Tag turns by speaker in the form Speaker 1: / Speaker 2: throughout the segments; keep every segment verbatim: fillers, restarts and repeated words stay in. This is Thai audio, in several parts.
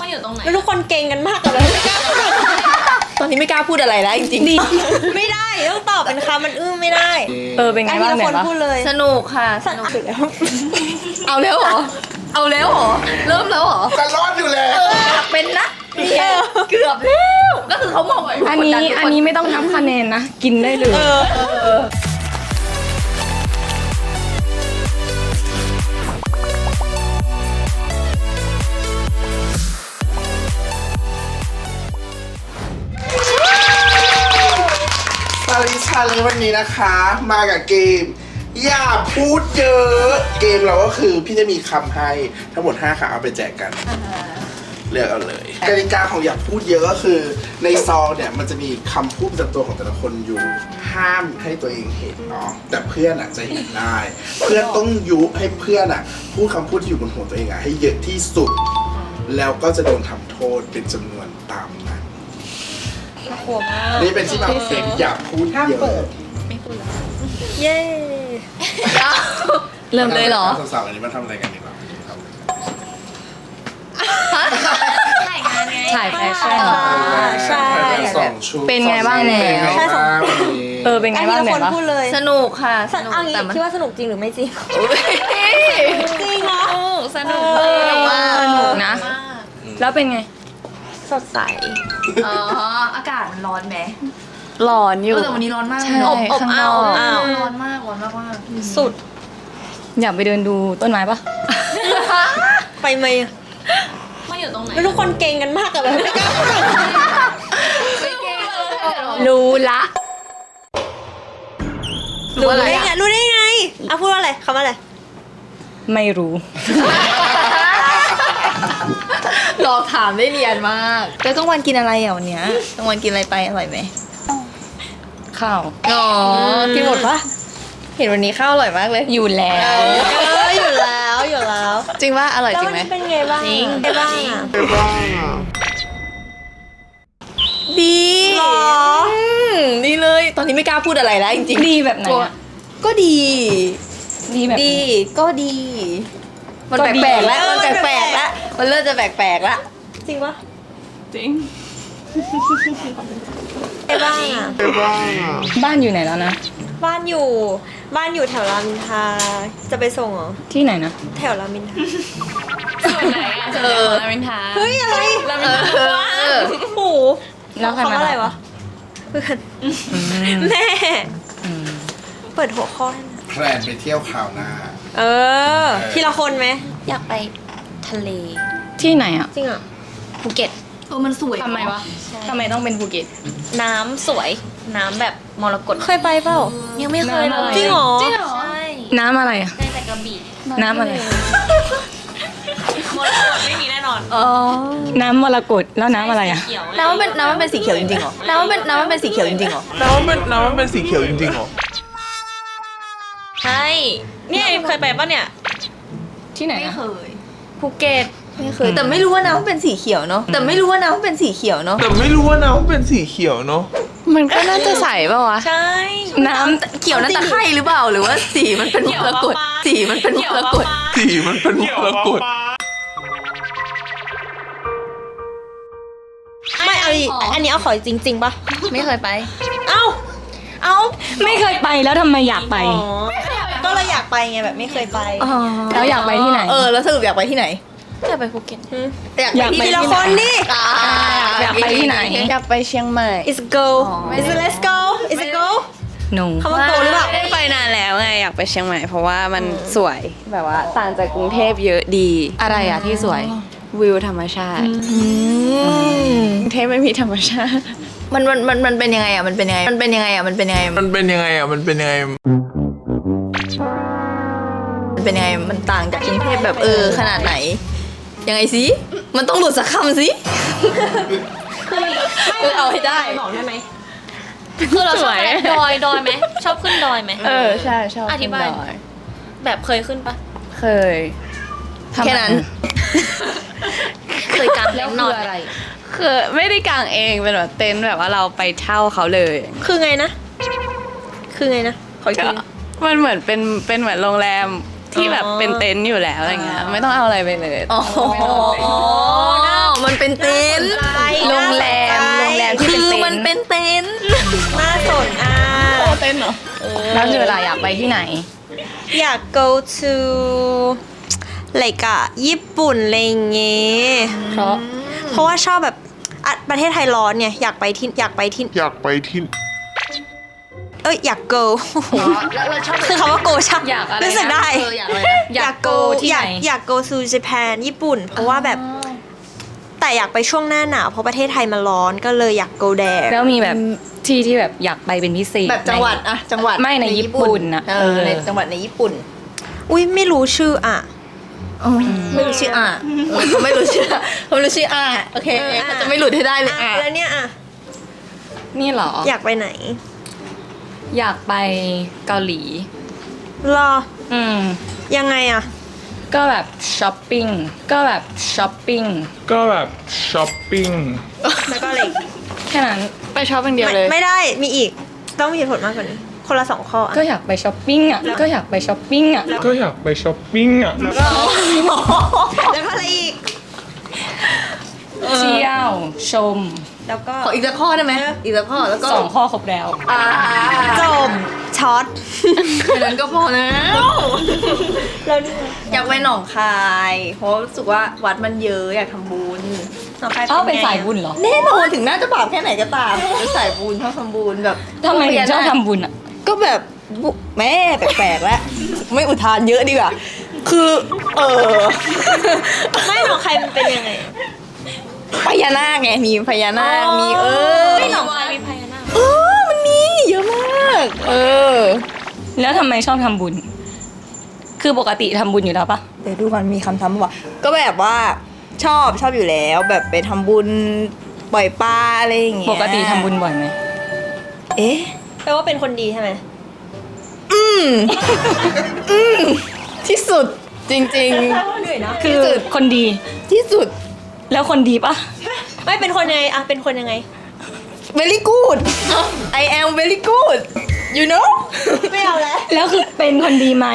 Speaker 1: มาอยู่ตรงไหน
Speaker 2: แล้วทุกคนเก่งกันมากเลยไม่กล้าพูดตอนนี้ไม่กล้าพูดอะไรแล้วจริงๆไม่ได้ต้องตอบเป็นคำมันอื้อไม่ได้
Speaker 3: เออเป็นไงบ้างเนี่ย
Speaker 2: คนพูดเลย
Speaker 1: สนุกค่ะสนุกแล้วเอาแล้วเหรอเอาแล้วเหรอเริ่มแล้วเหรอ
Speaker 4: จะรอดอยู่แล้ว
Speaker 1: เป็นนะเกือบแล้วก็คือเขามองว่า
Speaker 3: อันนี้อันนี้ไม่ต้องนับคะแนนนะกินได้เลย
Speaker 4: ซาลิชาเลยวันนี้นะคะ มากับเกม อย่าพูดเยอะ เกมเราก็คือพี่จะมีคำให้ทั้งหมดห้าคำเอาไปแจกกัน เลือกเอาเลยกติกาของอย่าพูดเยอะก็คือในซองเนี่ยมันจะมีคำพูดประจำตัวของแต่ละคนอยู่ห้ามให้ตัวเองเห็นเนาะแต่เพื่อนอ่ะจะเห็นได้ เพื่อนต้องยุให้เพื่อนอ่ะพูดคำพูดที่อยู่บนหัวตัวเองอ่ะให้เยอะที่สุด แล้วก็จะโดนทำโทษเป็นจำนวนตามนั้น
Speaker 2: หัวมาก
Speaker 4: นี่เป็นที่มาของเกมอย่าพูดเยอะ
Speaker 2: เย้
Speaker 1: เริ่มเลยเหรอ
Speaker 4: สาวๆอันนี้มาทำอะไรกันดีกว่าครับ
Speaker 1: ถ่ายงานไง
Speaker 3: ถ่ายแฟชั่น
Speaker 2: ใช่
Speaker 4: สองชุด
Speaker 3: เป็นไงบ้าง
Speaker 4: เป็นไง
Speaker 2: ใช่สอง
Speaker 4: บ้างวันนี้
Speaker 3: เออเป็นไง
Speaker 2: ไอ้
Speaker 3: บ้าง
Speaker 2: ที่
Speaker 3: เนี่
Speaker 2: ค
Speaker 3: ย
Speaker 2: น
Speaker 3: วะ
Speaker 2: พูดเลย
Speaker 1: สนุกค่ะส
Speaker 2: ส
Speaker 1: นุก
Speaker 2: เอางี้
Speaker 1: แต่มัน
Speaker 2: คิดว่าสนุกจริงหรือไม่จริงจริงเหรอ
Speaker 1: สนุกมาก
Speaker 3: สนุกนะ แล้วเป็นไง
Speaker 2: สดใส
Speaker 1: อ๋ออากาศมันร้อนไหม
Speaker 3: ร้อนอยู่
Speaker 1: แต่วันนี้ร้อนมาก
Speaker 3: ใช่
Speaker 1: อบอบ
Speaker 3: ข้างน
Speaker 1: อ้า
Speaker 3: อ
Speaker 1: ว
Speaker 3: ก
Speaker 1: อ้าวร้อนมากร้อนมากมาก
Speaker 2: สุด
Speaker 3: อยากไปเดินดูต้นไม้ปะ
Speaker 2: ไปไหม
Speaker 1: มาอยู่ตรงไหน
Speaker 2: แล้วทุกคนเก่งกันมากเลยไม่กล้าพูด
Speaker 3: รู้ละ
Speaker 2: รู้ได้ไงรู้ได้ไงอ่ะพูดว่าอะไรคำว่าอะไร
Speaker 3: ไม่รู้
Speaker 1: หลอกถามได้เรียนมากแล้วกลางวันกินอะไรอ่ะวันเนี้ยกลางวันกินอะไรไปอร่อยไหม
Speaker 3: ข้าว
Speaker 1: อ๋อกินหมดปะเห็นวันนี้ข้าวอร่อยมากเลย
Speaker 3: อยู่แล้ว
Speaker 2: เอออยู่แล้วอยู่แล้ว
Speaker 1: จริงว่าอร่อย
Speaker 2: แล้ว
Speaker 1: จริ
Speaker 2: วั
Speaker 1: ง
Speaker 2: น
Speaker 1: ไหม
Speaker 2: นี้เป็นไงบ้าง
Speaker 1: จริง
Speaker 2: เป็นไงบ้างอ่ะ
Speaker 4: ไปบ้างอ่ะ
Speaker 1: ดี
Speaker 2: หรอ
Speaker 1: มดีเลยตอนนี้ไม่กล้าพูดอะไรแล้วจริงๆ
Speaker 3: ดีแบบไหนอะ
Speaker 1: ก็ดี
Speaker 3: ดีแบบไหน
Speaker 1: ดีก็ดี มัน
Speaker 3: ก็ดี
Speaker 1: แปลกๆแล้ว
Speaker 2: เออ
Speaker 1: มัน
Speaker 2: มัน
Speaker 1: แปลกๆ
Speaker 2: แปล
Speaker 1: แล้ว
Speaker 2: ก
Speaker 1: มันเริ่มจะแปลกๆแล้ว
Speaker 2: จริงปะ
Speaker 3: จริง
Speaker 2: เป็นไงบ้างอ่ะ
Speaker 4: ไปบ้างอ่ะ
Speaker 3: บ้านอยู่ไหนแล้วนะ
Speaker 2: บ้านอยู่บ้านอยู่แถวรามอินทราจะไปส่งเหรอ
Speaker 3: ที่ไหนนะ
Speaker 2: แถวรามอินทรา
Speaker 1: ส่วนไหนอ่ะเออลามินทา
Speaker 2: เฮ้ยอะไร
Speaker 1: ลามินทา
Speaker 2: โอ้โห
Speaker 3: แล้วใคร
Speaker 2: คำ
Speaker 3: มา
Speaker 2: ว่าอะไร
Speaker 3: รับ
Speaker 2: วะเพื่อนแม่
Speaker 3: อืม
Speaker 2: เปิดหัวข้อให้หน่อย
Speaker 4: แพลนไปเที่ยวคราวหน้า
Speaker 2: เออ ทีละคนไหม
Speaker 1: อยากไปทะเล
Speaker 3: ที่ไหนอ่ะ
Speaker 2: จริงอ่ะ
Speaker 1: ภูเก็ตเออมันสวย
Speaker 3: ทำไมวะทำไมต้องเป็นภูเก็ต
Speaker 1: น้ำสวยน้ำแบบมรกต
Speaker 2: เคยไปเปล่า
Speaker 1: ยังไม่เคยเลย
Speaker 2: จริงเหรอ
Speaker 1: จริงเหรอใช่
Speaker 3: น้ำอะไรอ่ะ
Speaker 1: ได้แต่กระบี่
Speaker 3: น้ำอะไร
Speaker 1: มรกตไม่มีแน่นอน
Speaker 3: อ๋อ น้ำมรกตแล้วน้ำอะไรอ่ะ
Speaker 1: น้ำมันเป็นน้ำมันเป็นสีเขียวจริงๆเหรอน้ำมันเป็นน้ำมันเป็นสีเขียวจริงๆเหรอ
Speaker 4: น้ำมันเป็นน้ำมันเป็นสีเขียวจริงๆเหรอ
Speaker 1: ใช่เนี่ยเคยไปปะเนี่ย
Speaker 3: ที่ไหน
Speaker 1: ไม่
Speaker 3: นะ
Speaker 1: เคยภูเก็ตไม่เคยแต่ไม่รู้ว่าน้ำมันเป็นสีเขียวเนาะแต่ไม่รู้ว่าน้ำมันเป็นสีเขียวเนาะ
Speaker 4: แต่ไม่รู้ว่าน้ำมันเป็นสีเขียวเนาะ
Speaker 3: มันก็น่าจะใสป่าวะ
Speaker 1: ใช่
Speaker 3: น้ำ
Speaker 1: เขียวนั่นตะไคร่หรือเปล่าหรือว่าสีมันเป็นมรกตสีมันเป็นมรกต
Speaker 4: สีมันเป็นมรกต
Speaker 2: ไม่เอาอีกอันนี้เอาขอจริง ๆปะ
Speaker 1: ไม่เคยไป
Speaker 2: เอ้า
Speaker 1: เอ้า
Speaker 3: ไม่เคยไปแล้วทำไมอยากไป
Speaker 2: อ๋อก็เลยอยากไปไงแบบไม่เคยไป
Speaker 3: แล้วอยากไปที่ไหน
Speaker 1: เออแล้วสรุปอยากไปที่ไหนอยากไปภูเก็ต
Speaker 3: อยากไป
Speaker 2: ทีละคนนี่
Speaker 3: อยากไปที่ไหน
Speaker 1: อยากไปเชียงใหม่
Speaker 2: is it go is it let's go is it go
Speaker 3: no
Speaker 2: คำว่า go หรือเปล่า
Speaker 5: ไม่ได้ไปนานแล้วไงอยากไปเชียงใหม่เพราะว่ามันสวยแบบว่าต่างจากกรุงเทพเยอะดี
Speaker 3: อะไรอ่ะที่สวย
Speaker 5: วิวธรรมชาติกรุงเทพไม่มีธรรมชาติ
Speaker 1: มันมันมันมันเป็นยังไงอ่ะมันเป็นยังไงมันเป็นยังไงอ่ะมันเป็นยังไง
Speaker 4: มันเป็นยังไงอ่ะ มันเป็นยังไง
Speaker 1: มันเป็นยังไงมันต่างจากกรุงเทพแบบเออขนาดไหนยังไงสิมันต้องหลุดสักคำสิเออเอาให้ได้
Speaker 2: บอกได้ไหม
Speaker 6: คือเราชอบอะไรดอยดอยไหมชอบขึ้นดอยไหม
Speaker 5: เออใช่ชอบ
Speaker 6: อธิบาย
Speaker 5: ขึ้นดอย
Speaker 6: แบบเคยขึ้นปะ
Speaker 5: เคย
Speaker 1: แค่นั้น
Speaker 6: เคยกางเต็นท์นอนอะไร
Speaker 5: คือไม่ได้กางเองเป็นแบบเต็นท์แบบว่าเราไปเช่าเขาเลย
Speaker 2: คือไงนะ คือไงนะ ขออีก
Speaker 5: ก็
Speaker 2: ที
Speaker 5: มันเหมือนเป็นเป็นเหมือนโรงแรมที่แบบเป็นเต็นท์อยู่แล้วอะไรเงี้ยไม่ต้องเอาอะไรไปเลย
Speaker 1: อ๋อมันมันเป็นเต็นท์
Speaker 3: โรงแรมโรงแรมที่
Speaker 1: คื
Speaker 3: เป็น
Speaker 1: อ
Speaker 3: เต็
Speaker 1: มัน
Speaker 3: นท์
Speaker 1: เป็นเต็นท์
Speaker 2: น่าสนอ่ะ
Speaker 3: แล้วคืออะไรอยากไปที่ไหน
Speaker 2: อยาก go to อะไรกะญี่ปุ่นอะไรอย่างเงี้ย
Speaker 3: เพราะ
Speaker 2: เพราะว่าชอบแบบอ่ะประเทศไทยร้อนเนี่ยอยากไปที่อยากไปที่
Speaker 4: อยากไปที่
Speaker 2: เอ้ยอยาก go คือคำว่า go ชัก
Speaker 3: อยากอะไรนะ
Speaker 2: รู้สึกได้
Speaker 3: เอออยากอะไรนะอยาก go ที่
Speaker 2: อ
Speaker 3: ไหน
Speaker 2: ยากอยาก go to Japan ญี่ปุ่น เพราะว่าแบบแต่อยากไปช่วงหน้าหนาวเพราะประเทศไทยมันร้อนก็เลยอยาก go there
Speaker 3: แล้วมีแบบที่ที่แบบอยากไปเป็นพิเศษ
Speaker 1: แบบจังหวัดอะจังหวัด
Speaker 3: ไม่ในญี่ปุ่นนะ
Speaker 1: เอ
Speaker 3: เอ
Speaker 1: อ
Speaker 3: อ
Speaker 1: ในจังหวัดในญี่ปุ่น
Speaker 2: อุ้ยไม่รู้ชื่ออ่ะ
Speaker 1: ไม่รู้ชื่ออ่ะเออเขาไม่รู้ชื่อเขาไม่รู้ชื่ออ่ะโอเค
Speaker 2: เอออ่ะ
Speaker 1: เขาจะไม่หลุดให้ได้เลย
Speaker 2: อ่ะ
Speaker 1: อ่ะ
Speaker 2: แล้วเนี่ยอ่ะ
Speaker 3: นี่เหรอ
Speaker 2: อยากไปไหน
Speaker 3: อยากไปเกาหลี
Speaker 2: รอ
Speaker 3: อืม
Speaker 2: ยังไงอ่ะ
Speaker 3: ก็แบบช้อปปิ้งก็แบบช้อปปิ้ง
Speaker 7: ก็แบบช้อปปิ้ง
Speaker 2: แล้วก็อะไรอีก
Speaker 3: แค่นั้น
Speaker 6: ไปช็อปอย่างเดียว
Speaker 2: ไม่
Speaker 6: เลย
Speaker 2: ไม่ได้มีอีกต้องมีเหตุผลมากกว่านี้คนละสองข้ออ่ะ
Speaker 3: ก็อยากไปช้อปปิ้งอ่ะก็อยากไปช้อปปิ้งอ่ะ
Speaker 7: ก็อยากไปช้อปปิ้งอ่ะ
Speaker 2: แล้วก็อะไรอีก
Speaker 3: เที่ยวชม
Speaker 2: แล้วก็
Speaker 1: ขออีกสักข้อได้ไหมอีกสักข้อแล้วก็
Speaker 3: สองข้อครบแล้ว
Speaker 1: อ่า
Speaker 2: จบช็อต
Speaker 1: แค่นั้นก็พอแล้ว
Speaker 2: แล้วนี่
Speaker 1: อยากไปหนองคายเพราะรู้สึกว่าวัดมันเยอะอยากทำบุญ
Speaker 2: ต่อไป
Speaker 3: เอ้าเป็นสายบุญเหรอ
Speaker 1: แน่นอนถึงน่าจะบาปแค่ไหนก็ตามเป็นสายบุญชอบทำบุญแบบ
Speaker 3: ทำไมถึงชอบทำบุญอ่ะ
Speaker 1: ก็แบบบุแม่แปลกๆแล้วไม่อุทานเยอะดีกว่าคือเออ
Speaker 2: ไม่หรอกใครมันเป็นยังไง
Speaker 1: พญานาคไงมีพญานาคมีเออ
Speaker 2: ไม่หรอกใครมีพญานาค
Speaker 1: เออมันมีเยอะมากเออ
Speaker 3: แล้วทำไมชอบทำบุญ คือปกติทำบุญอยู่แล้วปะ
Speaker 1: เดี๋ยวดูก่อนมีคำทำว่าก็แบบว่าชอบชอบอยู่แล้ว แบบไปทำบุญปล่อยปลาอะไรอย่างเงี้ย
Speaker 3: ปกติทำบุญบ่อยไหม
Speaker 1: เอ๊ะ
Speaker 2: แปลว่าเป็นคนดีใช่ไหม
Speaker 1: อืมอืมที่สุดจริง
Speaker 2: เหนื่อยนะ
Speaker 3: คือคนดี
Speaker 1: ๆ ที่สุด
Speaker 3: แล้วคนดีปะ
Speaker 2: ไม่เป็นคนยังไงอะเป็นคนยังไง
Speaker 1: very good I am very good you know
Speaker 2: ไม่เอาแล้ว
Speaker 3: แล้วคือเป็นคนดีไหม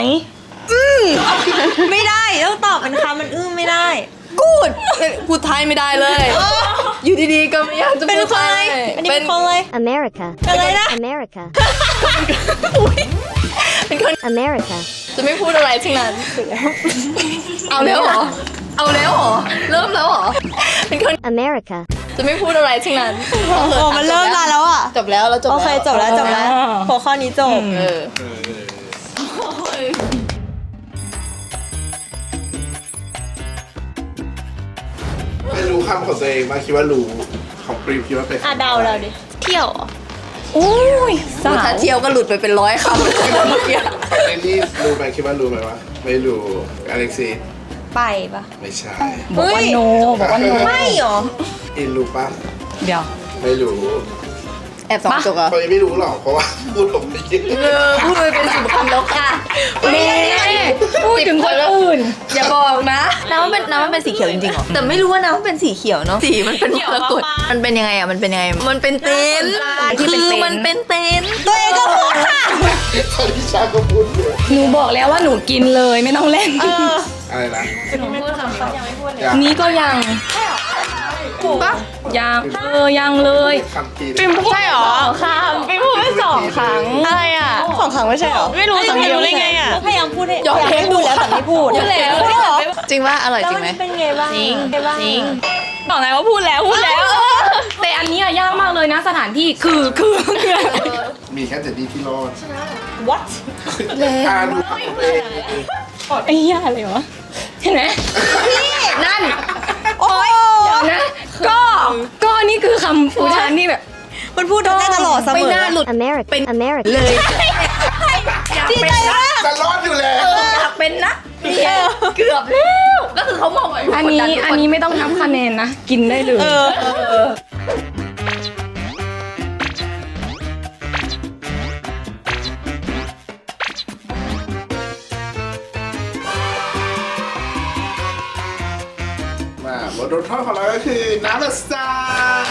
Speaker 2: ไม่ได้ต้องตอบเป็นคำมันอื้อไม่ได้
Speaker 1: good พูดไทยไม่ได้เลย อยู่ดีๆก็ไม่อยากจะ
Speaker 2: เป็น
Speaker 1: พูด
Speaker 2: ค
Speaker 1: ไท
Speaker 2: นอะไร
Speaker 1: ย
Speaker 2: อันนี้เป็นคนเลย
Speaker 8: America.
Speaker 2: อะไรนะ
Speaker 8: America.
Speaker 1: เป็นคน
Speaker 8: America.
Speaker 1: จะไม่พูดอะไรทั้งนั้น เอาแล้วเหรอ เอาแล้วเหรอ เริ่มแล้วเหรอ เป็นคน
Speaker 8: America.
Speaker 1: จะไม่พูดอะไรทั้งนั้น
Speaker 2: โอ้มันเริ่มนานแล้วอ่ะ
Speaker 1: จบแล้วแล้วจบ
Speaker 2: โอ
Speaker 1: แล้ว
Speaker 2: เคจบแล้วจบแล้วหัวข้อนี้จบ
Speaker 1: เออ
Speaker 4: ไม่รู้คำของตัวเองมาคิดว่ารู้ของปรีมคิดว่าเป็น
Speaker 2: อ่ะเดาเราดิ เที่ยวเหรอ
Speaker 3: อุ้ยสา
Speaker 1: ถ้าว เที่ยวก็หลุดไปเป็นร้อยคำเลยเมื่อกี้
Speaker 4: ไอ้นี่รู้ไหมคิดว่ารู้ไหมวะไม่รู้อเล็กซี่
Speaker 2: ไปปะ
Speaker 4: ไม่ใช่
Speaker 3: บอกว่าโนบอกว่าโน
Speaker 2: ไม่เหรอ
Speaker 4: อินรู้ปะ
Speaker 3: เดี๋ยว
Speaker 4: ไม่รู้
Speaker 1: แอบสองจกอ่ะ
Speaker 4: เขายังไม่รู้หรอกเพราะว่าพูดผมไม่เยอะ
Speaker 1: เออพูดไปเป็นสิบคำแล้วค่ะ
Speaker 3: แม่พูดถึงคนอื่น
Speaker 1: อย่าบอกนะน้ำมันเป็นน้ำมันเป็นสีเขียวจริงๆเหรอ แต่ไม่รู้ว่าน้ำมันเป็นสีเขียวเนาะ สีมันเป็นมรกตมันเป็นยังไงอ่ะ มันเป็นยังไง มันเป็นเต็นท์
Speaker 3: ที่เป็น
Speaker 1: คือ
Speaker 3: เต็นท์
Speaker 1: มันเป็นเต็นท์
Speaker 2: ตัวเองก็พูดค่ะ
Speaker 4: คนที่ชาก็พูดอยู่
Speaker 3: หนูบอกแล้วว่าหนูกินเลยไม่ต้องเล่น
Speaker 4: อะไรนะ
Speaker 3: นี้ก็ยัง
Speaker 1: ถูกปะ
Speaker 3: ยังเออยังเลย
Speaker 4: คำปี
Speaker 6: ปิมพูดใช่หรอค่ะปิมพูดไปสองครั้ง อะไรอ่ะ
Speaker 2: สองครั้งไม่ใช่เหรอ
Speaker 6: ไม่รู้สังเกตได้ไงอ่ะ
Speaker 2: พยายามพูดให้ยอมให้พูดแล้วแต่ไม่พูด
Speaker 1: พูดแล้ว
Speaker 2: พูดเหรอ
Speaker 1: จริงว่าอร่อย
Speaker 2: แล้ว
Speaker 1: จริ
Speaker 2: มั
Speaker 1: งไหม
Speaker 2: นเป็นไงบ้าง
Speaker 6: จริง
Speaker 2: ไงบ้าง
Speaker 6: จริง บอกนายว่าพูดแล้วพูดแล้ว
Speaker 3: แต่อันนี้อะยากมากเลยนะสถานที่คือคือคือ
Speaker 4: มีแค่เจดดี้ที่รอด
Speaker 2: what
Speaker 4: อ่าดูคำตัวเอง
Speaker 3: ไอ้เหี้ยอะไรวะเห็นไหม
Speaker 1: นั่น
Speaker 2: โอ้ย
Speaker 3: เดี๋ยวนะ ก็ก็นี่คือคำอุทานที่แบบ
Speaker 2: มันพูดได้ตลอดเสมอ
Speaker 1: ไม่น่าหลุด
Speaker 8: America. America.
Speaker 1: เลย
Speaker 2: ดีใจมาก
Speaker 4: จะรอดอยู่แล้ว
Speaker 1: อยากเป็นนะเนี่ยเกือบแล้ว ก็คือเขามองว่า
Speaker 3: อันนี้อันนี้ไม่ต้องนับคะแนนนะ กินได้เลย
Speaker 2: เออ
Speaker 4: มาบทลงโทษของเราก็คือน้ำละสตาร์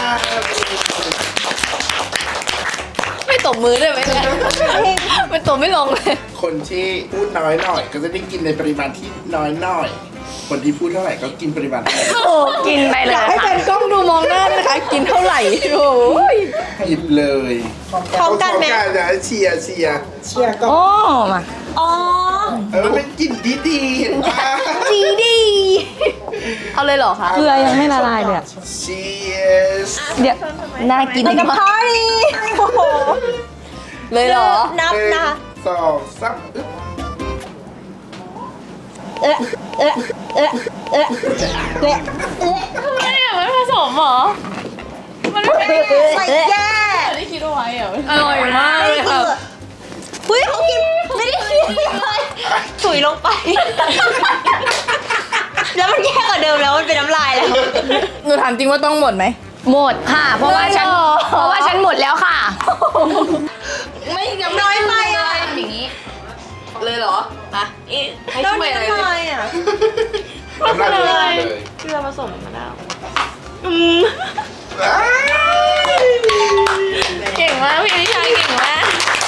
Speaker 1: ไม่ตบมือได้ไหมเนี่ยมันตบไม่ลงเลย
Speaker 4: คนที่พูดน้อยหน่อย ก็จะได้กินในปริมาณที่น้อยหน่อย คนที่พูดเท่าไหร่ก็กินปริมาณเท่านั้น
Speaker 3: โอ้กินไปเลย
Speaker 2: ให้เป็น
Speaker 1: มองหน้านะคะกินเท่าไหร่โอ้ย
Speaker 4: หยิบเลย
Speaker 2: พร้อมกันไหม
Speaker 4: พร้อมกันนะเชียร์เชียร์เชียร์ก็
Speaker 3: โอ้มา
Speaker 2: อ๋อ
Speaker 4: เออมันเป็นกลิ่นดีๆเห็นปะ
Speaker 1: ดีดีเอาเลยเหรอคะ
Speaker 3: เกลือยังไม่ละลายเลยอะ
Speaker 4: เชียร์
Speaker 3: เดี๋ยว
Speaker 1: น่ากิน
Speaker 2: แล้วกับ
Speaker 1: มาก
Speaker 2: พาร์ตี้โอ้โห
Speaker 1: เลยเหรอ
Speaker 2: นับนะ
Speaker 4: สองสามอึ๊บ
Speaker 2: เอ๊ะเอ๊ะเอ๊ะเอ๊ะเอ๊ะเอ๊ะ
Speaker 6: ไม่อะมันผสมเหรอ มันไม่ได้
Speaker 2: ใส่แย่
Speaker 6: ได้คิดเอาไว้เหรอ
Speaker 3: อร่อยมากเลยค่ะ
Speaker 2: เฮ้ยเขากินไม่ได้คิดเลยถุยลงไป แล้วมันแย่กว่าเดิมแล้วมันเป็นน้ำลายแล้ว
Speaker 1: หนูถามจริงว่าต้องหมดไหม
Speaker 3: หมดค่ะ เพราะว่าฉัน
Speaker 1: เลยเหรอ
Speaker 3: เพราะว่าฉันหมดแล้วค่ะ
Speaker 1: ไม่ยัง
Speaker 2: น้อยไปอ่ะ
Speaker 1: อย่างนี้ เลยเหรออ่ะให้
Speaker 2: แล้ว
Speaker 1: ช่วย
Speaker 2: นี่
Speaker 1: อะไร
Speaker 2: น้ำ
Speaker 1: เล
Speaker 2: ลาย ยอ่ะ
Speaker 4: น้ำลายเลยเลย
Speaker 6: เกลือผสมมะนาว
Speaker 4: อ้าย
Speaker 6: เก่งมากพี่นิชาเก่งมาก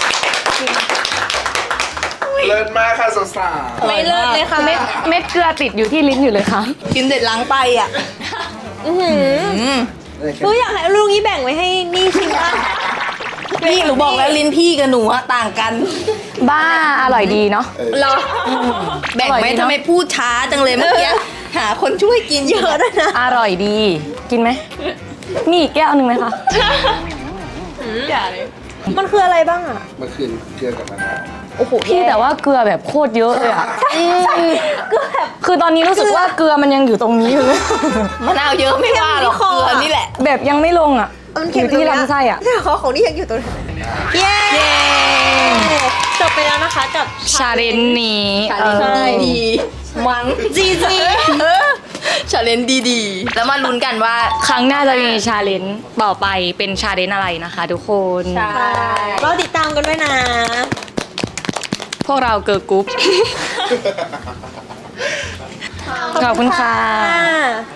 Speaker 4: เลิศมากค่ะสาวๆ
Speaker 2: ไม่เลิศเลยค่ะ
Speaker 3: เม็ดเม็ดเกลือติดอยู่ที่ลิ้นอยู่เลยค่ะ
Speaker 1: กินเสร็จล้างไปอ่ะ
Speaker 2: อือหือ
Speaker 1: อืม
Speaker 2: หนูอยากให้ลูกนี้แบ่งไว้ให้นี่ชิมบ้าง
Speaker 1: พี่หนูบอกแล้วลิ้นพี่กับหนูอะต่างกัน
Speaker 3: บ้าอร่อยดีเนาะ
Speaker 1: เหรอแบ่งไหม
Speaker 3: อร่อยดีเนอะ
Speaker 1: ทำไมพูดช้าจังเลยเมื่อกี้หาคนช่วยกินเยอะด้วยนะ
Speaker 3: อร่อยดี กินไหมมีอีกแก้วหนึ่งไหมคะ
Speaker 6: อย่าเลย
Speaker 2: มันคืออะไรบ้างอ่ะ
Speaker 4: เมื่อคืนเกลือกับมะนาว
Speaker 2: โอ้โห
Speaker 3: พี่แต่ว่าเกลือแบบโคตรเยอะเลยอ่ะคือตอนนี้รู้สึกว่าเกลือมันยังอยู่ตรงนี้อยู่เลย
Speaker 1: มะนาวเยอะไม่ว่าหรอกเกลือนี่แหละ
Speaker 3: แบบยังไม่ลงอ่ะ
Speaker 2: มัน
Speaker 3: อ
Speaker 2: เค็ม
Speaker 3: ยู่ที่ลำไส้อ่ะ
Speaker 2: แต่ของของนี่ยังอยู่ตรงนี้เย้จบไปแล้วนะคะกับ
Speaker 3: ชาเลนจ์นี้
Speaker 1: ชาเลน
Speaker 3: เออ
Speaker 1: จ์ดีๆมังจีจีชาเลนจ์ดีๆ แล้วมาลุ้นกันว่า
Speaker 3: ครั้งหน้าจะมีชาเลนจ์ต่อไปเป็นชาเลนจ์อะไรนะคะทุกคน
Speaker 2: เราติดตามกันด้วยนะ
Speaker 3: พวกเราเกิร์ลกรุ๊ป ขอบคุณค่ะ
Speaker 2: ค่ะ